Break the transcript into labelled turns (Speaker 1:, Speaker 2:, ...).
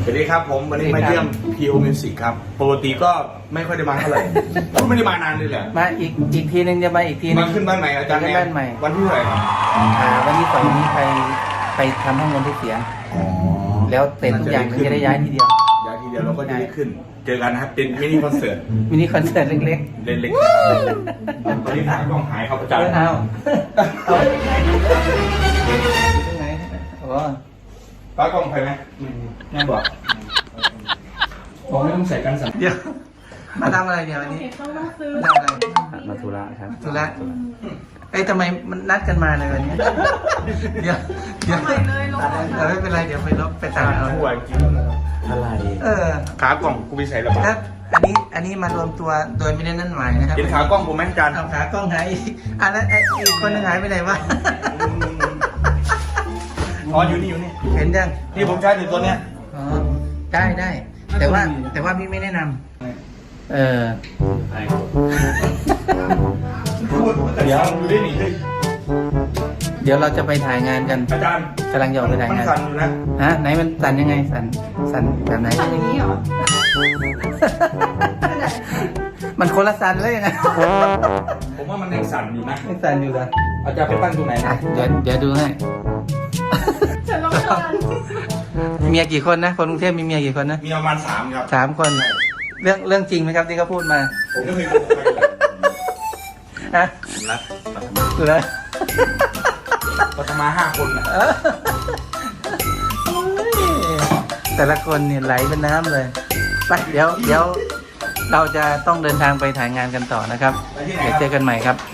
Speaker 1: สวัสดีครับผมวันนี้มาเยี่ยม PO Music ครับปกติก็ไม่ค่อยได้มาเท่าไหร่ก็ไม่ได้มานานเลยแหละ
Speaker 2: มาอีกทีนึงจะมาอีกทีนึง
Speaker 1: มาขึ้นบ้านใหม่อาจารย์
Speaker 2: ขึ้นบ้านใหม่
Speaker 1: วันที่เท่าไหร่
Speaker 2: วันที่2นี้ไปทำห้องนอนที่เสียงแล้วเสร็จทุกอย่างมันจะได้ย้ายทีเดียว
Speaker 1: เราก็จะได้ขึ้นเจอกันนะครับเป็นมินิคอนเสิร์ต
Speaker 2: เล็ก
Speaker 1: ๆเล็กๆตอนนี้ถ่ายกล้องหายครับอาจารย์
Speaker 2: เอาตรงไหนโอ้
Speaker 1: ป้ากล้องไปไหมแม่บอกผมไม่ต้องใส่กันสั่น
Speaker 2: เดี๋ยวมาทำอะไรเดี๋ยววันนี้มาทำอะไร
Speaker 3: มาธุระครับ
Speaker 2: ธุระทำไมมันนัดกันมาเลยวันนี้เดี๋ยวไม่เป็นไรเดี๋ยวไปตัดเอา
Speaker 1: หัวจริง
Speaker 3: อะไร
Speaker 1: ขากล้องกูไปใส่ระบาด
Speaker 2: อันนี้มารวมตัวโดยไม่ได้นั่นหมายนะครับ
Speaker 1: เห็นขากล้องผมไหมอาจารย์
Speaker 2: เอาขากล้องหายแล้วอีกคนนึงหายไปไหนวะ
Speaker 1: อ๋ออยู่นี่
Speaker 2: เห็นยัง
Speaker 1: นี่ผมใช้อยู่ตัวเนี้ย
Speaker 2: อ๋อได้แต่ว่าพี่ไม่แนะนำ
Speaker 1: เดี๋ยวดูได้หนิ
Speaker 2: เดี๋ยวเราจะไปถ่ายงานกัน
Speaker 1: อาจารย์
Speaker 2: กำลังจะออกไปถ่ายงาน
Speaker 1: มันสั่นอยู่นะ
Speaker 2: ไหนมันสั่นยังไงสั่นแบบไหน
Speaker 4: สั่นอย่างนี้เหรอ
Speaker 2: มันคนละสั่นเลยยังไง
Speaker 1: ผมว่ามันยังสั่นอยู่นะ
Speaker 2: ยังสั่นอยู่เหรอ
Speaker 1: อาจารย์ไปตั้งตรงไหนนะ
Speaker 2: เดี๋ยวดูให้
Speaker 4: ฉันรำคาญ
Speaker 2: เมียกี่คนนะคนกรุงเทพมีเมียกี่คนนะ
Speaker 1: มีประมาณ3ครับ
Speaker 2: 3 คนเรื่องจริงไหมครับที่เขาพูดมา
Speaker 1: ผมก็เคยโกหกไป
Speaker 2: นะเลย
Speaker 1: ปัตมา5 คนนะ
Speaker 2: แต่ละคนเนี่ยไหลเป็นน้ำเลยไปเดี๋ยวเราจะต้องเดินทางไปถ่ายงานกันต่อนะครับเดี๋ยวเจอกันใหม่ครับ